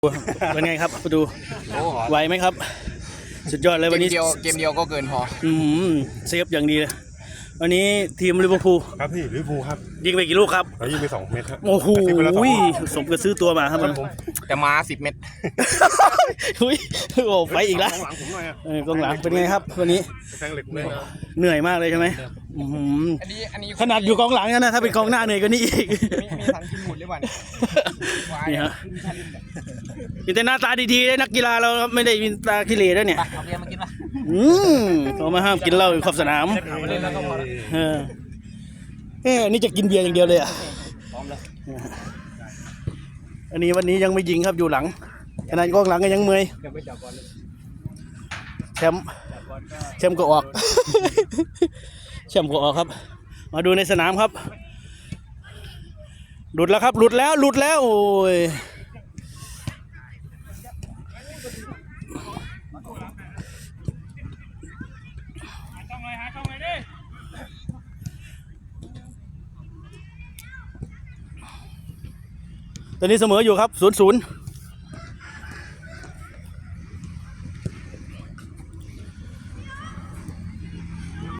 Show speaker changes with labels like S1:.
S1: เป็นไงครับดูไหวไหมครับสุดยอดเลยวันนี้
S2: เกมเดียวก็เกินพอ
S1: เซฟอย่างดีเลยวันนี้ทีมลิเวอร์พูล
S3: ครับพี่ลิเวอร์พูลครับ
S1: ยิงไปกี่ลูกครับ
S3: ยิงไป2 เม็ดครับ
S1: โอ้โหสมกับซื้อตัวมาครับมัน
S2: แต่มา10 เม็ด
S1: อุ้ยโอ้ไปอีกแล้วกองหลังเป็นไงครับวันนี้เหนื่อยมากเลยใช่ไหม
S2: อันนี้
S1: ขนาดอยู่กองหลังนะถ้าเป็นกองหน้าเหนื่อยกว่านี้อีก
S2: มีทันทีหมุนเลยวัน
S1: นี่ฮะมีแต่หน้าตาดีๆเลยนักกีฬาเราไม่ได้มีตาขี้เหร่ด้วยเนี่ย
S2: เอาเบียร์มากินป่ะ
S1: เขามาห้ามกินเหล้าอยู่ขอบสนามนี่จะกินเบียร์อย่างเดียวเลยอ่ะอันนี้วันนี้ยังไม่ยิงครับอยู่หลังขนาดกองหลังก็ยังเมื่อยแชมป์ก็ออกแชมป์ก็ออกครับมาดูในสนามครับหลุดแล้วครับหลุดแล้วโอ้ยตอนนี้เสมออยู่ครับ0-0